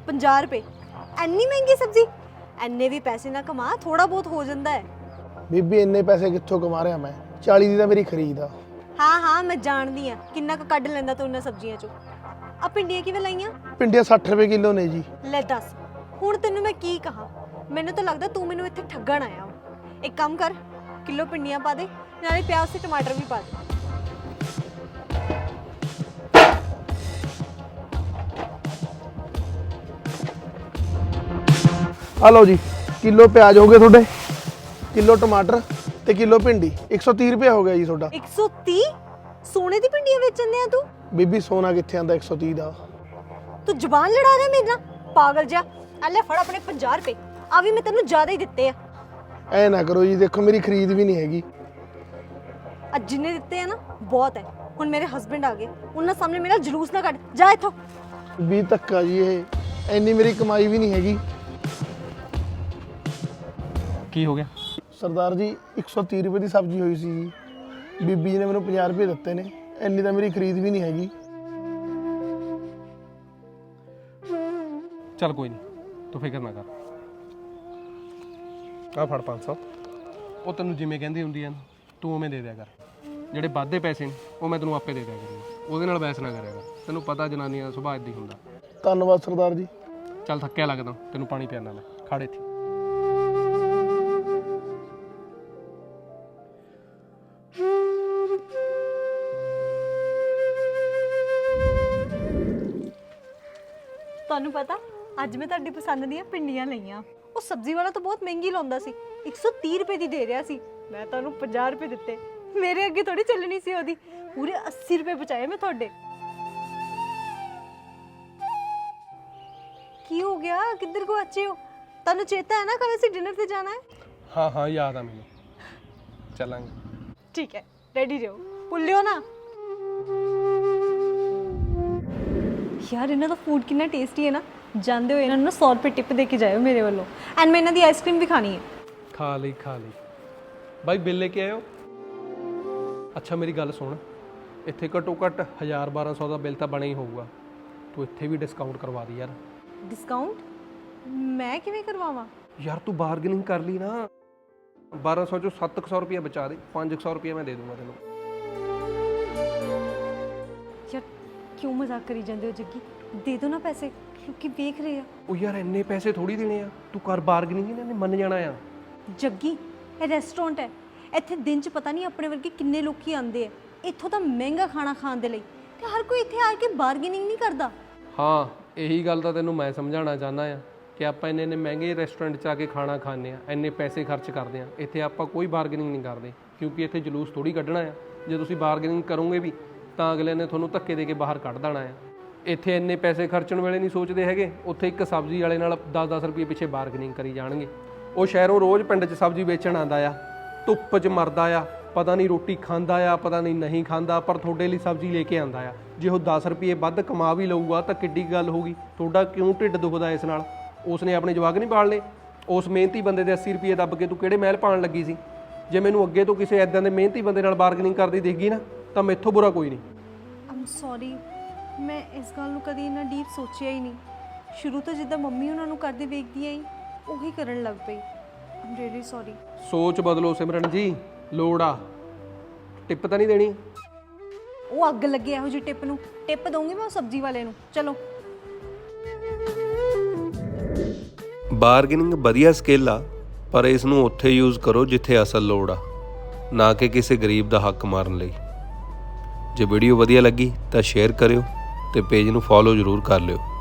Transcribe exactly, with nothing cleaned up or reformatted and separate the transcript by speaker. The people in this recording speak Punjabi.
Speaker 1: ਪੰਜਾਹ ਰੁਪਏ ਇੰਨੀ ਮਹਿੰਗੀ ਸਬਜ਼ੀ। ਇੰਨੇ ਵੀ ਪੈਸੇ ਨਾ ਕਮਾ, ਥੋੜਾ ਬਹੁਤ ਹੋ ਜਾਂਦਾ ਹੈ।
Speaker 2: ਬੀਬੀ ਇੰਨੇ ਪੈਸੇ ਕਿੱਥੋਂ ਕਮਾ ਰਿਹਾ ਮੈਂ? ਚਾਲੀ ਦੀ ਤਾਂ ਮੇਰੀ ਖਰੀਦ ਆ।
Speaker 1: ਹਾਂ ਹਾਂ ਮੈਂ ਜਾਣਦੀ ਆ ਕਿੰਨਾ ਕੁ ਕੱਢ ਲੈਂਦਾ ਤੂੰ ਉਹਨਾਂ ਸਬਜ਼ੀਆਂ ਚੋਂ। ਆ ਪਿੰਡੀਆਂ ਕਿਵੇਂ ਲਾਈਆਂ?
Speaker 2: ਪਿੰਡੀਆਂ ਸੱਠ ਰੁਪਏ ਕਿਲੋ ਨੇ ਜੀ।
Speaker 1: ਲੈ ਦੱਸ, ਹੁਣ ਤੈਨੂੰ ਮੈਂ ਕੀ ਕਹਾਂ? ਮੈਨੂੰ ਤਾਂ ਲੱਗਦਾ ਤੂੰ ਮੈਨੂੰ ਇੱਥੇ ਠੱਗਣ ਆਇਆ ਵਾ। ਇੱਕ ਕੰਮ ਕਰ, ਕਿਲੋ ਪਿੰਡੀਆਂ ਪਾ ਦੇ, ਨਾਲੇ ਪਿਆਜ਼ ਤੇ ਟਮਾਟਰ ਵੀ ਪਾ ਦੇ।
Speaker 2: ਆ ਲਓ ਜੀ, ਕਿਲੋ ਪਿਆਜ਼ ਹੋ ਗਏ ਤੁਹਾਡੇ, ਕਿਲੋ ਟਮਾਟਰ ਤੇ ਕਿਲੋ ਭਿੰਡੀ। ਇੱਕ ਸੌ ਤੀਹ ਰੁਪਏ ਹੋ ਗਿਆ ਜੀ ਤੁਹਾਡਾ।
Speaker 1: ਇੱਕ ਸੌ ਤੀਹ? ਸੋਨੇ ਦੀ ਪਿੰਡੀਆਂ ਵੇਚਣ ਆ ਤੂੰ?
Speaker 2: ਬੀਬੀ ਸੋਨਾ ਕਿੱਥੇ ਆਂਦਾ ਇੱਕ ਸੌ ਤੀਹ ਦਾ?
Speaker 1: ਤੂੰ ਜ਼ੁਬਾਨ ਲੜਾ ਰਿਹਾ ਮੇਰੇ ਨਾਲ, ਪਾਗਲ ਜਿਹਾ। ਆ ਲੈ ਫੜ ਆਪਣੇ ਪੰਜਾਹ ਰੁਪਏ, ਆ ਵੀ ਮੈਂ ਤੈਨੂੰ ਜ਼ਿਆਦਾ ਹੀ ਦਿੱਤੇ ਆ।
Speaker 2: ਐ ਨਾ ਕਰੋ ਜੀ, ਦੇਖੋ ਮੇਰੀ ਖਰੀਦ ਵੀ ਨਹੀਂ ਹੈਗੀ।
Speaker 1: ਅੱਜ ਜਿੰਨੇ ਦਿੱਤੇ ਆ ਨਾ ਬਹੁਤ ਹੈ। ਹੁਣ ਮੇਰੇ ਹਸਬੰਡ ਆ ਗਏ, ਉਹਨਾਂ ਸਾਹਮਣੇ ਮੇਰਾ ਜਲੂਸ ਨਾ ਕੱਢ, ਜਾ ਇੱਥੋਂ।
Speaker 2: ਵੀ ਧੱਕਾ ਜੀ, ਇਹ ਇੰਨੀ ਮੇਰੀ ਕਮਾਈ ਵੀ ਨਹੀਂ ਹੈਗੀ।
Speaker 3: ਕੀ ਹੋ ਗਿਆ
Speaker 2: ਸਰਦਾਰ ਜੀ? ਇੱਕ ਸੌ ਤੀਹ ਰੁਪਏ ਦੀ ਸਬਜ਼ੀ ਹੋਈ ਸੀ ਜੀ, ਬੀਬੀ ਜੀ ਨੇ ਮੈਨੂੰ ਪੰਜਾਹ ਰੁਪਏ ਦਿੱਤੇ ਨੇ। ਇੰਨੀ ਤਾਂ ਮੇਰੀ ਖਰੀਦ ਵੀ ਨਹੀਂ ਹੈਗੀ।
Speaker 3: ਚੱਲ ਕੋਈ ਨਹੀਂ, ਤੂੰ ਫਿਕਰ ਨਾ ਕਰ। ਆ ਫੜ ਪੰਜ ਸੌ। ਉਹ ਤੈਨੂੰ ਜਿਵੇਂ ਕਹਿੰਦੀ ਹੁੰਦੀ ਆ ਨਾ, ਤੂੰ ਉਵੇਂ ਦੇ ਦਿਆ ਕਰ। ਜਿਹੜੇ ਵਾਧੇ ਪੈਸੇ ਨੇ ਉਹ ਮੈਂ ਤੈਨੂੰ ਆਪੇ ਦੇ ਦਿਆ ਕਰਾਂਗਾ, ਉਹਦੇ ਨਾਲ ਬਹਿਸ ਨਾ ਕਰਿਆ ਕਰ। ਤੈਨੂੰ ਪਤਾ ਜਨਾਨੀਆਂ ਦਾ ਸੁਭਾਅ ਇੱਦਾਂ ਹੀ ਹੁੰਦਾ।
Speaker 2: ਧੰਨਵਾਦ ਸਰਦਾਰ ਜੀ।
Speaker 3: ਚੱਲ ਥੱਕਿਆ ਲੱਗਦਾ, ਤੈਨੂੰ ਪਾਣੀ ਪਿਆਣਾ ਮੈਂ, ਖੜ ਇੱਥੇ।
Speaker 1: ਤੁਹਾਨੂੰ ਪਤਾ ਅੱਜ ਮੈਂ ਤੁਹਾਡੀ ਪਸੰਦ ਦੀਆਂ ਪਿੰਡੀਆਂ ਲਈਆਂ। ਉਹ ਸਬਜ਼ੀ ਵਾਲਾ ਤਾਂ ਬਹੁਤ ਮਹਿੰਗੀ ਲਾਉਂਦਾ ਸੀ, ਇੱਕ ਸੌ ਤੀਹ ਰੁਪਏ ਦੀ ਦੇ ਰਿਹਾ ਸੀ। ਮੈਂ ਤੁਹਾਨੂੰ ਪੰਜਾਹ ਰੁਪਏ ਦਿੱਤੇ। ਮੇਰੇ ਅੱਗੇ ਥੋੜੀ ਚੱਲਣੀ ਸੀ ਉਹਦੀ। ਪੂਰੇ ਅੱਸੀ ਰੁਪਏ ਬਚਾਏ ਮੈਂ ਤੁਹਾਡੇ। ਕੀ ਹੋ ਗਿਆ? ਕਿੱਧਰ ਗੁਆਚੇ ਹੋ? ਤੁਹਾਨੂੰ ਚੇਤਾ ਹੈ ਨਾ ਕੱਲ ਅਸੀਂ ਡਿਨਰ ਤੇ ਜਾਣਾ ਹੈ?
Speaker 3: ਹਾਂ ਹਾਂ ਯਾਦ ਆ ਮੈਨੂੰ, ਚੱਲਾਂਗੇ।
Speaker 1: ਠੀਕ ਹੈ, ਰੈਡੀ ਰਹੋ, ਭੁੱਲਿਓ ਨਾ। ਯਾਰ ਇਹਨਾਂ ਦਾ ਫੂਡ ਕਿੰਨਾ ਟੇਸਟੀ ਹੈ ਨਾ। ਜਾਂਦੇ ਹੋਏ ਇਹਨਾਂ ਨੂੰ ਸੌ ਰੁਪਏ ਟਿਪ ਦੇ ਕੇ ਜਾਇਓ ਮੇਰੇ ਵੱਲੋਂ। ਐਂਡ ਮੈਂ ਇਹਨਾਂ ਦੀ ਆਈਸਕ੍ਰੀਮ ਵੀ ਖਾਣੀ ਹੈ।
Speaker 3: ਖਾ ਲਈ ਖਾ ਲਈ ਬਾਈ, ਬਿੱਲ ਲੈ ਕੇ ਆਇਓ। ਅੱਛਾ ਮੇਰੀ ਗੱਲ ਸੁਣ, ਇੱਥੇ ਘੱਟੋ ਘੱਟ ਹਜ਼ਾਰ ਬਾਰਾਂ ਸੌ ਦਾ ਬਿੱਲ ਤਾਂ ਬਣਿਆ ਹੀ ਹੋਊਗਾ। ਤੂੰ ਇੱਥੇ ਵੀ ਡਿਸਕਾਊਂਟ ਕਰਵਾ ਦੀ ਯਾਰ।
Speaker 1: ਡਿਸਕਾਊਂਟ? ਮੈਂ ਕਿਵੇਂ ਕਰਵਾਵਾਂ?
Speaker 3: ਯਾਰ ਤੂੰ ਬਾਰਗੇਨਿੰਗ ਕਰ ਲਈ ਨਾ। ਬਾਰਾਂ ਸੌ ਚੋਂ ਸੱਤ ਸੌ ਰੁਪਇਆ ਬਚਾ ਦੇ, ਪੰਜ ਸੌ ਰੁਪਇਆ ਮੈਂ ਦੇ ਦੂੰਗਾ ਤੈਨੂੰ।
Speaker 1: ਯਾਰ ਕਿਉਂ ਮਜ਼ਾਕ ਕਰੀ ਜਾਂਦੇ ਹੋ ਜੱਗੀ? ਦੇ ਦਿਓ ਨਾ ਪੈਸੇ, ਕਿਉਂਕਿ ਵੇਖ ਰਹੇ ਆ।
Speaker 3: ਉਹ ਯਾਰ ਇੰਨੇ ਪੈਸੇ ਥੋੜੀ ਦੇਣੇ ਆ, ਤੂੰ ਕਰ ਬਾਰਗੇਨਿੰਗ, ਇਹਨਾਂ ਨੇ ਮੰਨ ਜਾਣਾ ਆ।
Speaker 1: ਜੱਗੀ ਇਹ ਰੈਸਟੋਰੈਂਟ ਹੈ, ਇੱਥੇ ਦਿਨ 'ਚ ਪਤਾ ਨਹੀਂ ਆਪਣੇ ਵਰਗੇ ਕਿੰਨੇ ਲੋਕੀ ਆਉਂਦੇ ਆ ਇੱਥੋਂ ਤਾਂ ਮਹਿੰਗਾ ਖਾਣਾ ਖਾਣ ਦੇ ਲਈ, ਤੇ ਹਰ ਕੋਈ ਇੱਥੇ ਆ ਕੇ ਬਾਰਗੇਨਿੰਗ ਨਹੀਂ ਕਰਦਾ।
Speaker 3: ਹਾਂ ਇਹੀ ਗੱਲ ਤਾਂ ਤੈਨੂੰ ਮੈਂ ਸਮਝਾਉਣਾ ਚਾਹੁੰਦਾ ਆ ਕਿ ਆਪਾਂ ਇੰਨੇ ਇੰਨੇ ਮਹਿੰਗੇ ਰੈਸਟੋਰੈਂਟ 'ਚ ਆ ਕੇ ਖਾਣਾ ਖਾਂਦੇ ਆ, ਇੰਨੇ ਪੈਸੇ ਖਰਚ ਕਰਦੇ ਆ। ਇੱਥੇ ਆਪਾਂ ਕੋਈ ਬਾਰਗੇਨਿੰਗ ਨਹੀਂ ਕਰਦੇ, ਕਿਉਂਕਿ ਇੱਥੇ ਜਲੂਸ ਥੋੜੀ ਕੱਢਣਾ ਆ। ਜੇ ਤੁਸੀਂ ਬਾਰਗੇਨਿੰਗ ਕਰੋਗੇ ਵੀ ਤਾਂ ਅਗਲੇ ਨੇ ਤੁਹਾਨੂੰ ਧੱਕੇ ਦੇ ਕੇ ਬਾਹਰ ਕੱਢ ਦੇਣਾ ਆ। ਇੱਥੇ ਇੰਨੇ ਪੈਸੇ ਖਰਚਣ ਵੇਲੇ ਨਹੀਂ ਸੋਚਦੇ ਹੈਗੇ, ਉੱਥੇ ਇੱਕ ਸਬਜ਼ੀ ਵਾਲੇ ਨਾਲ ਦਸ ਦਸ ਰੁਪਏ ਪਿੱਛੇ ਬਾਰਗੇਨਿੰਗ ਕਰੀ ਜਾਣਗੇ। ਉਹ ਸ਼ਹਿਰੋਂ ਰੋਜ਼ ਪਿੰਡ 'ਚ ਸਬਜ਼ੀ ਵੇਚਣ ਆਉਂਦਾ ਆ, ਧੁੱਪ 'ਚ ਮਰਦਾ ਆ, ਪਤਾ ਨਹੀਂ ਰੋਟੀ ਖਾਂਦਾ ਆ ਪਤਾ ਨਹੀਂ ਨਹੀਂ ਖਾਂਦਾ, ਪਰ ਤੁਹਾਡੇ ਲਈ ਸਬਜ਼ੀ ਲੈ ਕੇ ਆਉਂਦਾ ਆ। ਜੇ ਉਹ ਦਸ ਰੁਪਏ ਵੱਧ ਕਮਾ ਵੀ ਲਊਗਾ ਤਾਂ ਕਿੱਡੀ ਗੱਲ ਹੋਊਗੀ? ਤੁਹਾਡਾ ਕਿਉਂ ਢਿੱਡ ਦੁਖਦਾ ਇਸ ਨਾਲ? ਉਸਨੇ ਆਪਣੇ ਜਵਾਕ ਨਹੀਂ ਪਾਲਣੇ? ਉਸ ਮਿਹਨਤੀ ਬੰਦੇ ਦੇ ਅੱਸੀ ਰੁਪਏ ਦੱਬ ਕੇ ਤੂੰ ਕਿਹੜੇ ਮਹਿਲ ਪਾਉਣ ਲੱਗੀ ਸੀ? ਜੇ ਮੈਨੂੰ ਅੱਗੇ ਤੋਂ ਕਿਸੇ ਐਦਾਂ ਦੇ ਮਿਹਨਤੀ ਬੰਦੇ ਨਾਲ ਬਾਰਗੇਨਿੰਗ ਕਰਦੀ ਦੇਖੀ ਨਾ ਤਾਂ ਮੈਥੋਂ ਬੁਰਾ ਕੋਈ ਨਹੀਂ।
Speaker 1: ਆਮ ਸੌਰੀ, ਮੈਂ ਇਸ ਗੱਲ ਨੂੰ ਕਦੀ ਇੰਨਾ ਡੀਪ ਸੋਚਿਆ ਹੀ ਨਹੀਂ। ਸ਼ੁਰੂ ਤੋਂ ਜਿੱਦਾਂ ਮੰਮੀ ਉਹਨਾਂ ਨੂੰ ਕਰਦੇ ਵੇਖਦੀ ਆਈ ਉਹੀ ਕਰਨ ਲੱਗ ਪਈ। I'm really sorry.
Speaker 3: ਸੋਚ ਬਦਲੋ ਸਿਮਰਨ ਜੀ, ਲੋੜ ਆ। ਟਿਪ ਤਾਂ ਨਹੀਂ ਦੇਣੀ?
Speaker 1: ਉਹ ਅੱਗ ਲੱਗੇ ਇਹੋ ਜਿਹੀ ਟਿਪ ਨੂੰ। ਟਿਪ ਦਊਂਗੀ ਮੈਂ ਸਬਜ਼ੀ ਵਾਲੇ ਨੂੰ। ਚਲੋ।
Speaker 4: ਬਾਰਗੇਨਿੰਗ ਵਧੀਆ ਸਕਿੱਲ ਆ, ਪਰ ਇਸ ਨੂੰ ਉੱਥੇ ਯੂਜ਼ ਕਰੋ ਜਿੱਥੇ ਅਸਲ ਲੋੜ ਆ, ਨਾ ਕਿ ਕਿਸੇ ਗਰੀਬ ਦਾ ਹੱਕ ਮਾਰਨ ਲਈ। ਜੇ ਵੀਡੀਓ ਵਧੀਆ ਲੱਗੀ ਤਾਂ ਸ਼ੇਅਰ ਕਰਿਓ ਤੇ ਪੇਜ ਨੂੰ ਫੋਲੋ ਜ਼ਰੂਰ ਕਰ ਲਿਓ।